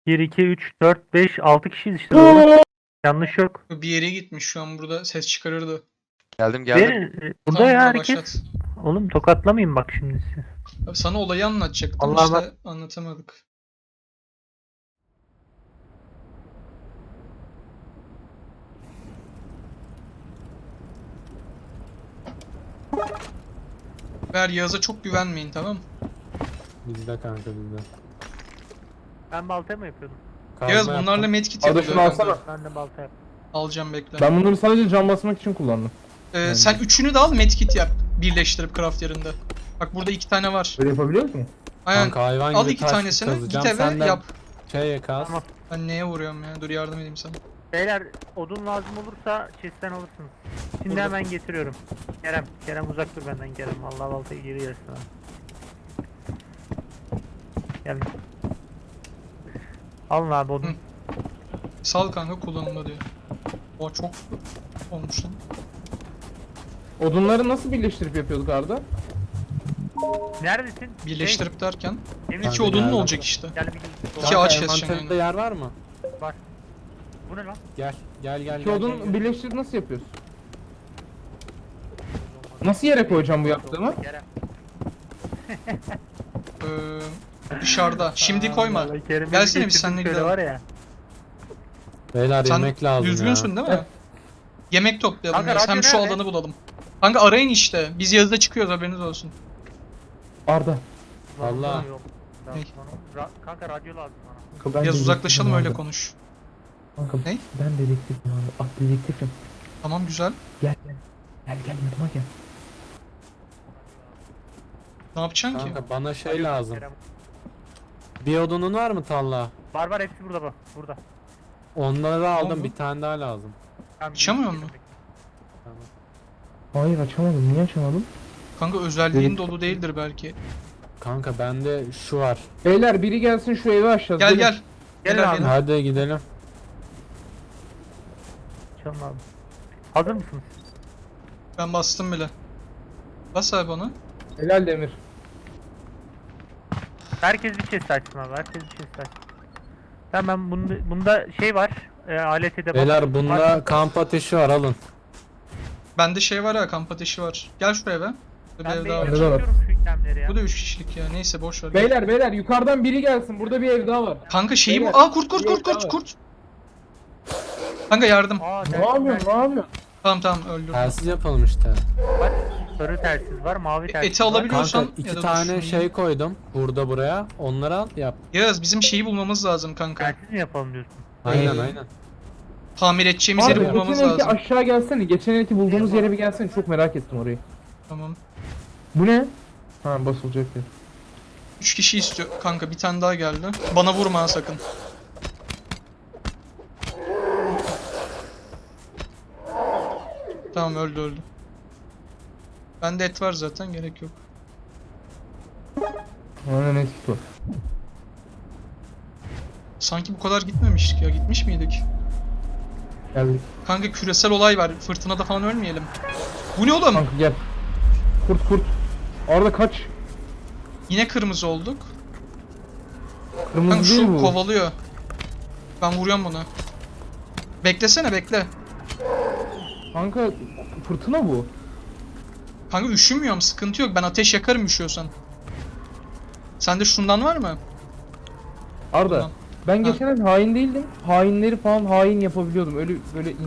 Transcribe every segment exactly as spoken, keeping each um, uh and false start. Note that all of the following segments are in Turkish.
bir, iki, üç, dört, beş, altı kişiyiz işte doğru. Yanlış yok. Bir yere gitmiş şu an burada ses çıkarırdı. Geldim geldim. Beni, burada Tamam, ya bana herkes. başlat. Oğlum tokatlamayın bak şimdi sizi. Abi sana olayı anlatacaktım Allah'a işte bak. anlatamadık. Ver Yağız'a çok güvenmeyin, tamam mı? Bizde kanka bizde. Ben balta mı yapıyordum? Kazma Yağız yaptım. bunlarla medkit Arda yapılıyor şunu kanka. alsana. Ben de balta yaptım. Alacağım, bekle. Ben bunları sadece cam basmak için kullandım. Ee, Yani. Sen üçünü de al, medkit yap. Birleştirip craft yerinde. Bak burada iki tane var. Böyle yapabiliyor musun? Aynen. Kanka hayvan Al gibi iki taş tanesini, kazacağım. git eve Sen de yap. Şey kaz. Tamam. Ben neye vuruyorum ya? Dur yardım edeyim sana. Beyler odun lazım olursa chest'ten alırsınız. Şimdi Burada. hemen getiriyorum. Kerem, Kerem uzak dur benden Kerem. Allah baltayı geri yersin ha. Gel. Alın abi odun. Hı. Sal kanka, kullanımda diyor. O çok olmuş lan. Odunları nasıl birleştirip yapıyorduk Arda? Neredesin? Birleştirip derken Şey, iki Kanka odunun geldim. olacak işte. Gel bir gel. İki Kanka, ağaç keseceksin envanterinde yani. yer var mı? Var. Bu ne lan? Gel gel gel İki gel. odun gel, gel. birleştirip nasıl yapıyoruz? Nasıl yere koyacağım bu yaptığımı? Kerem. Ee, dışarıda. Şimdi koyma. Vallahi Kerem'i Gelsene biz getirdim seninle şöyle gidelim. Var ya. Beyler Sen yemek lazım düzgünsün ya. değil mi? Yemek toplayalım. Kanka, Yağız. Hem radyo şu nerede? alanı bulalım. Kanka arayın işte. Biz yazıda çıkıyoruz, haberiniz olsun. Arda. Vallahi. Yok. Ne? Ra- Kanka radyo lazım bana. Kanka, ben Yaz uzaklaşalım dedektifim öyle Arda. konuş. Kanka, Ne? ben dedektifim abi. Ah dedektifim. Tamam, güzel. Gel gel. Gel gel yanıma gel. Ne yapacaksın ki? Kanka bana şey lazım. Kerem. Bir odunun var mı Talla? Var var hepsi burada bak. Burada. Onları aldım, oldu? bir tane daha lazım. Tamam, Açamıyor gidelim. mu? Tamam. Hayır açamadım. Niye açamadım? Kanka özelliğin Evet. dolu değildir belki. Kanka bende şu var. Beyler biri gelsin şu evi aşağı. Gel gel. Gel Gel abi. abi. Hadi gidelim. Çalın abi. Hazır mısınız? Ben bastım bile. Bas abi onu. Helal Demir. Herkes bir chest açsın abi. Herkes bir chest açsın. Tamam ben bunda, bunda şey var. E, alet edevat. Beyler bunda Var. kamp ateşi var, alın. Bende şey var ya, kamp ateşi var. Gel şuraya be. Bir Ben ev de daha var. Bende de var. yapıyorum şu itemleri ya. Bu da üç kişilik ya. Neyse boş ver. Beyler beyler yukarıdan biri gelsin. Burada bir ev daha var. Kanka şeyi bu. Beyler, Aa kurt kurt bir kurt ev daha kurt var. kurt. Kanka yardım. Aa, Ne telsiz yapıyorsun? Ne yapıyorsun? Tamam tamam öldürdüm. Telsiz yapalım işte. var. Sarı telsiz var, mavi telsiz eti var. alabiliyor- Kanka Biliyorsan ya iki da tane dur, şey koydum burada buraya. Onları al yap. Yağız bizim şeyi bulmamız lazım kanka. Telsiz mi yapalım diyorsun? Aynen Ee, aynen. Tamir edeceğimiz Abi yeri bulmamız geçen evki lazım. aşağı gelsene. Geçen evki bulduğumuz yere bir gelsene. Çok merak ettim orayı. Tamam. Bu ne? Ha basılacak yer. Üç kişi istiyor. Kanka bir tane daha geldi. Bana vurma ha sakın. Tamam öldü öldü. Bende et var zaten, gerek yok. Aynen eski var. Sanki bu kadar gitmemiştik ya. Gitmiş miydik? Geldik. Kanka küresel olay var. Fırtınada falan ölmeyelim. Bu ne oğlum? Kanka gel. Kurt kurt. Arda kaç. Yine kırmızı olduk. Kırmızı Kanka değil şu bu. kovalıyor. Ben vuruyorum bunu. Beklesene bekle. Kanka fırtına bu. Kanka üşümüyorum, sıkıntı yok. Ben ateş yakarım üşüyorsan. Sende şundan var mı? Arda. Tamam. Ben Ha. geçen ay hain değildim. Hainleri falan hain yapabiliyordum. Öyle böyle in-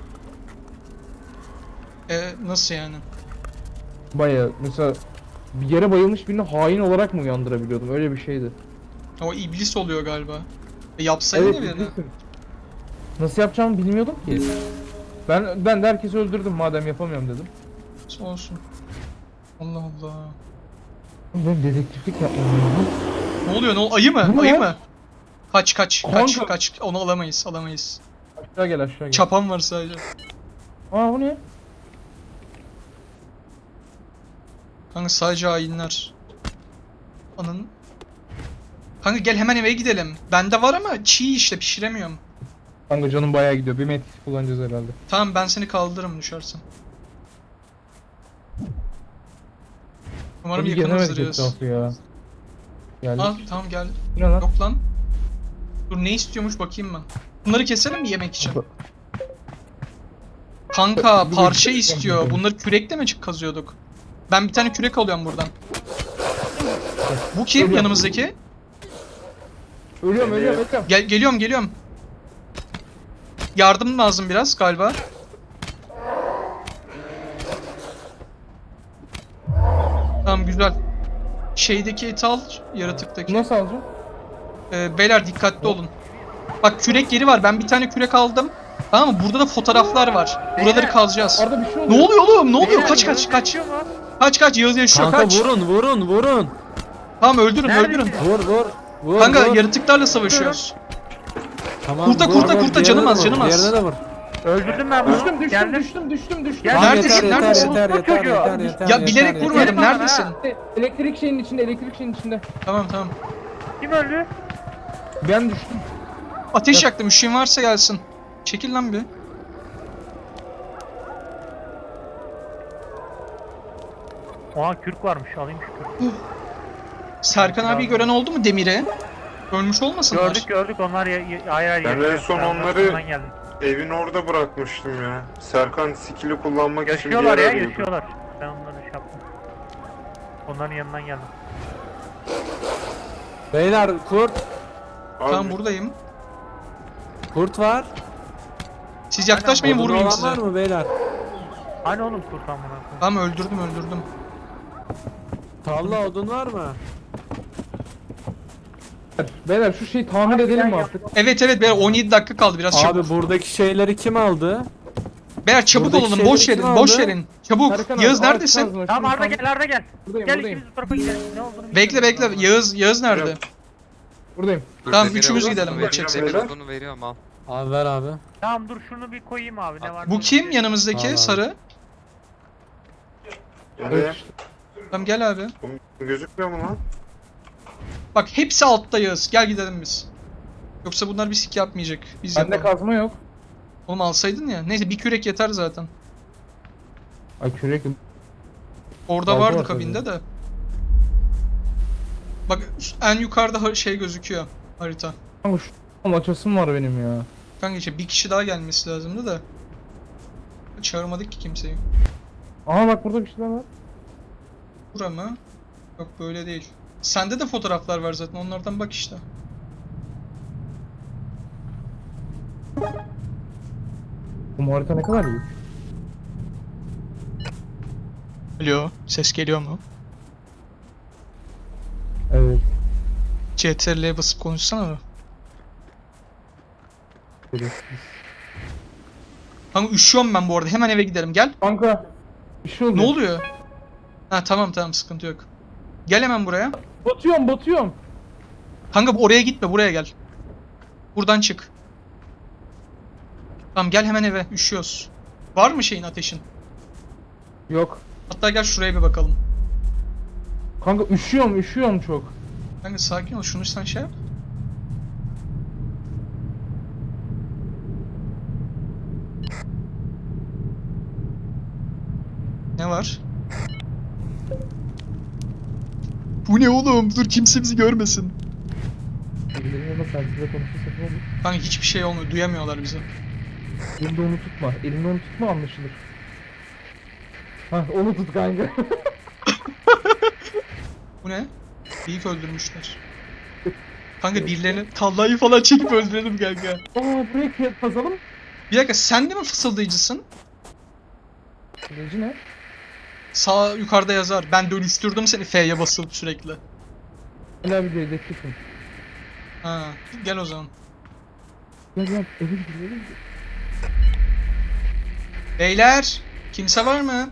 Ee, nasıl yani? bayağı mesela bir yere bayılmış birini hain olarak mı uyandırabiliyordum? Öyle bir şeydi. O iblis oluyor galiba. E, yapsaydın ya birini. bilirsin. Nasıl yapacağımı bilmiyordum ki. Ben ben de herkesi öldürdüm madem yapamıyorum dedim. Olsun. Allah Allah. Ben dedektiflik yapmam lazım. Ne oluyor? Ne ol Ayı mı? Bu ne Ayı lan? mı? Kaç kaç kaç Kanka. kaç. Onu alamayız, alamayız. Aşağı gel aşağı gel. Çapan var sadece. Aa bu ne? Kanka sadece hainler. Anın. Kanka gel hemen eve gidelim. Bende var ama çiğ işte, pişiremiyorum. Kanka canım bayağı gidiyor. Bir metkisi kullanacağız herhalde. Tamam ben seni kaldırırım düşersen. Umarım Hadi yakınızdır gelemedik Yağız. etrafı ya. Geldik. Aa tamam gel. Bu ne lan? Yok lan. Dur ne istiyormuş bakayım ben. Bunları keselim mi yemek için? Kanka parça istiyor. Bunları kürekle mi çık kazıyorduk? Ben bir tane kürek alıyorum buradan. Bu kim yanımızdaki? Ölüyorum ölüyorum ölüyorum. Gel geliyorum geliyorum. Yardım lazım biraz galiba. Tamam güzel. Şeydeki eti al, yaratıktaki. Nasıl alacağım? Ee, beyler dikkatli olun. Bak kürek yeri var. Ben bir tane kürek aldım. Tamam mı? Burada da fotoğraflar var. Buraları kazacağız. Arada bir şey oluyor. Ne oluyor oğlum? Ne oluyor? Beyler, Kaç Yağız kaç kaç. yaşıyor mu? Kaç kaç Yağız yaşıyor Kanka kaç. vurun vurun vurun. Tamam öldürün Nerede? öldürün. Vur vur. Vur, Kanka vur. yaratıklarla savaşıyoruz. Tamam, kurta, vur, kurta, vur. kurta, Diğerine canım de az, vur, canım az. Diğerine de vur. Öldürdüm ben bunu. Düştüm düştüm Geldim. düştüm düştüm düştüm. Gel. Neredesin, Yeter, neredesin? Yeter yeter Çocuğu. yeter yeter yeter. Ya bilerek yeter, vurmadım. bana, Neredesin? ha. Elektrik şeyinin içinde elektrik şeyinin içinde. Tamam tamam. Kim öldü? Ben düştüm. Ateş yaktım. Üşüğün varsa gelsin. Çekil lan bir. Oha kürk varmış. Alayım şu kürkü. Serkan abi gören oldu mu Demir'e? Ölmüş olmasınlar? Gördük gördük onlar ya, ya, hayır hayır. Ben yaşıyor. en son Ben onları- arkamdan geldim. Evin orada bırakmıştım ya. Serkan skill'i kullanmak için bir Yaşıyorlar yer ya arıyordu. yaşıyorlar. Ben onları şey yaptım. Onların yanından geldim. Beyler kurt. Abi, Tamam buradayım. Kurt var. Siz yaklaşmayın Odun vurmayayım olan size. var mı beyler? Hani oğlum kurtan bunu. Tamam öldürdüm öldürdüm. Talla odun var mı? Beyler şu şeyi tamir edelim mi artık? Evet evet beyler on yedi dakika kaldı biraz çabuk. Abi buradaki şeyleri kim aldı? Beyler çabuk buradaki olalım şeyleri boş kim verin boş aldı? verin. Çabuk. Serkan abi, Yağız ağaç neredesin? kazma, Tamam şunu Arda tam- gel Arda gel. Buradayım Gel buradayım. ikimiz bu tarafa gidelim. Ne olduğunu Bekle bilmiyorum. bekle. Yağız Yağız nerede? Yok. Buradayım. Tamam, Demir üçümüz odunu gidelim, veriyorum, geçeceksin. Demir Beyler. odunu veriyorum al. Abi ver abi. Tamam dur şunu bir koyayım abi ne var? Bu kim yanımızdaki Tamam. sarı? Evet. Tamam gel abi. Bu gözükmüyor mu lan? Bak hepsi altta Yağız. Gel gidelim biz. Yoksa bunlar bir sik yapmayacak. Biz Bende yapalım. kazma yok. Oğlum alsaydın ya. Neyse bir kürek yeter zaten. Ay kürek. Orada Balta vardı var kabinde de. Bak en yukarıda har- şey gözüküyor. Harita. Kanka şu açasım var benim ya. Kanka işte bir kişi daha gelmesi lazımdı da. Çağırmadık ki kimseyi. Aha bak burada bir şeyler var. Bura mı? Yok böyle değil. Sende de fotoğraflar var zaten onlardan bak işte. Bu harita ne kadar iyi. Alo, ses geliyor mu? Evet. C T R L'ye basıp konuşsana mı? Evet. Kanka üşüyorum ben bu arada. Hemen eve gidelim. Gel. Kanka bir şey oldu. Ne oluyor? Ha tamam tamam sıkıntı yok. Gel hemen buraya. Batıyorum batıyorum. Kanka oraya gitme buraya gel. Buradan çık. Tamam gel hemen eve. Üşüyoruz. Var mı şeyin ateşin? Yok. Hatta gel şuraya bir bakalım. Kanka üşüyorum üşüyorum çok. Kanka sakin ol. Şunu sen şey yap. Ne var? Bu ne oğlum? Dur kimse bizi görmesin. Elini ama sen size konuşursak ne olur? Kanka hiçbir şey olmuyor. Duyamıyorlar bizi. Elinde onu tutma. Elinde onu tutma anlaşılır. Hah onu tut kanka. Bu ne? Büyük öldürmüşler. Kanka birilerini tallayı falan çekip öldürelim kanka. Aa buraya kıyat kazalım. Bir dakika sen de mi fısıldayıcısın? Süreci ne? Sağ yukarıda yazar. Ben dönüştürdüm seni F'ye basıp sürekli. Hala bir dedektifim. Ha, gel o zaman. Gel gel eve gidelim. Beyler, kimse var mı?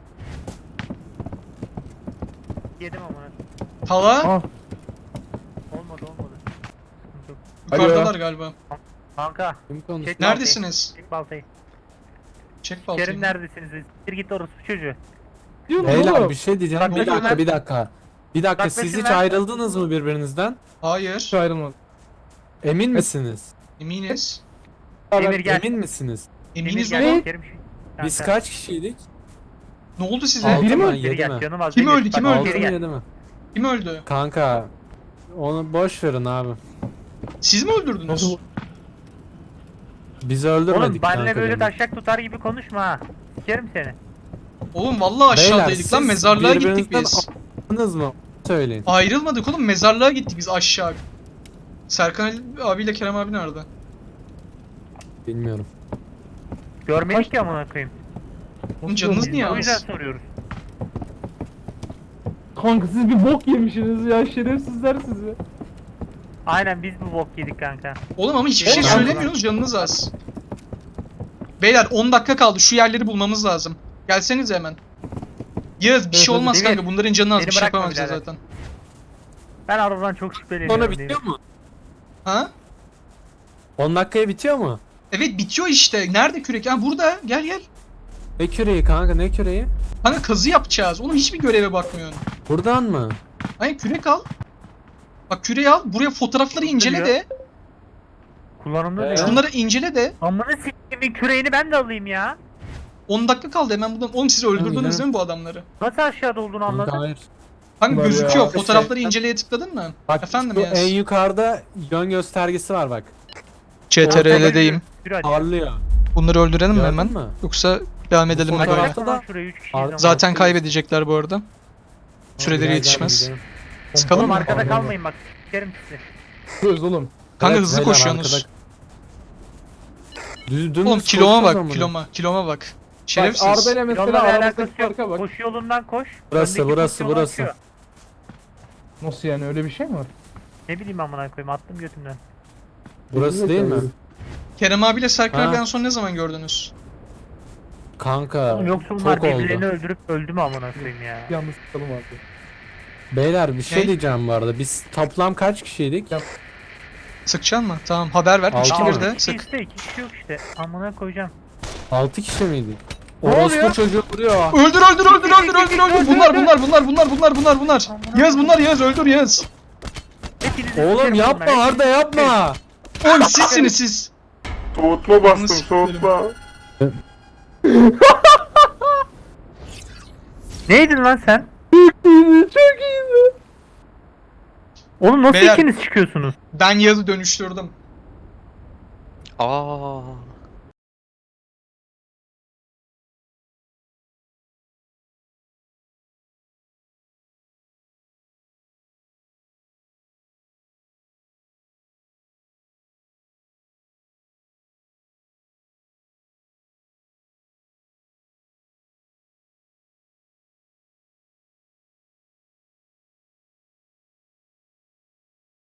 Yedim ama. Tala? Ah Olmadı olmadı. Sıkıntı yok. Yukarıdalar galiba. Kanka. Kim konuştu? Çek baltayı. Neredesiniz? Çek baltayı. Çek baltayı. Kerim neredesiniz? Siktir git orası çocuğu. diyorum Beyler oğlum. bir şey diyeceğim. Bak, Bir dakika bakın bir dakika. Bir dakika Bak, siz bakın hiç ben- ayrıldınız mı birbirinizden? Hayır. Hiç ayrılmadı. Emin misiniz? Eminiz. Emir gel. Emin misiniz? Emir Eminiz gel. oğlum. Kerim şu- Biz Kanka, kaç kişiydik? Ne oldu size? Abi- Altı biri mi mı, öldü? Geri yedi gel mi? canım az. Kim değil. öldü, kim Bak, öldü? Altı Geri mı gel. yedi mi? Kim öldü? Kanka onu boş verin abi. Siz mi öldürdünüz? Nasıl bu? Bizi öldürmedik Oğlum benimle kanka böyle demin. taşak tutar gibi konuşma ha. Sikerim seni. Oğlum vallahi aşağıdaydık Beyler, lan siz mezarlığa gittik birbirinizden biz. Anladınız mı? Söyleyin. Ayrılmadık oğlum mezarlığa gittik biz aşağı. Serkan Ali abiyle Kerem abi nerede? Bilmiyorum. Görmedik ya amına koyayım. Oğlum canınız Nasıl niye O yüzden az? soruyoruz. Kanka siz bir bok yemişsiniz ya, şerefsizler sizi. Aynen biz bu bok yedik kanka. Oğlum ama hiçbir şey Oğlum, söylemiyorsunuz canınız az. Beyler on dakika kaldı şu yerleri bulmamız lazım. Gelsenize hemen. Yağız bir Evet, şey hadi, olmaz Demir. kanka bunların canı az Beni bir şey bırakma yapamayacağız birader. zaten. Ben arabadan çok şüpheleniyorum. Sonra Demir. bitiyor mu? Ha? on dakikaya bitiyor mu? Evet bitiyor işte. Nerede kürek? Ha burada. Gel gel. Ne küreği kanka, ne küreği? Kanka kazı yapacağız. Oğlum hiçbir göreve bakmıyorsun. Buradan mı? Hayır kürek al. Bak küreği al. Buraya fotoğrafları incele Duruyor. de. Kullanımda Ee? diyor. Şunları incele de. Amına siktimin küreğini ben de alayım ya. on dakika kaldı hemen buradan. Oğlum siz öldürdünüz gidelim. değil mi bu adamları? Nasıl aşağıda olduğunu Kanka anladın? hayır. Kanka Var gözüküyor. ya. Fotoğrafları inceleye tıkladın mı? Bak Efendim şu Yaz. en yukarıda yön göstergesi var bak. C T R L'deyim. Yürü hadi. Parlıyor. Bunları öldürelim mi Gördün hemen? mü? Yoksa devam edelim mi fotoğraf- böyle? Bıraksana lan şuraya üç kişiyiz Ar- ama. Zaten kaybedecekler bu arada. Süreleri Gel, gel, yetişmez. gidelim. Sıkalım Oğlum mı? arkada Aynen. kalmayın bak. Sikerim sizi. Söz oğlum. Kanka Evet, hızlı beyler, koşuyorsunuz. arkada- Düz, dümdüz Oğlum kiloma koşuyoruz bak, amına. kiloma, kiloma bak. Bak Şerefsiz. Arda ile mesela Yollarla aramızdaki alakası yok. farka bak. Koşu yolundan koş. Burası, Öndeki burası, koşu yolu burası. açıyor. Nasıl yani, öyle bir şey mi var? Ne bileyim amına koyayım attım götümden. Burası değil mi? Kerem abiyle Serkan Ha. abi en son ne zaman gördünüz? Kanka Oğlum yoksa bunlar çok birbirlerini oldu. öldürüp öldü mü amına koyayım ya. Yalnız sıkalım abi. Beyler bir şey Ne? diyeceğim bu arada. Biz toplam kaç kişiydik? Ya- Sıkacaksın mı? Tamam haber ver. Altı üç iki mı? bir de İki sık. işte iki kişi yok işte. Amına koyacağım. altı kişi miydik? Ne Orospu oluyor? çocuğu vuruyor. Öldür öldür öldür öldür öldür öldür. Bunlar bunlar bunlar bunlar bunlar bunlar bunlar. Yağız bunlar Yağız öldür Yağız. Hepinizi Oğlum sikerim yapma bunlar, Arda yapma. Oğlum sizsiniz siz. Soğutma bastım Nasıl soğutma. Neydin lan sen? Çok iyiydi. Oğlum nasıl Beyler- ikiniz çıkıyorsunuz? Ben Yağız'ı dönüştürdüm. Aa.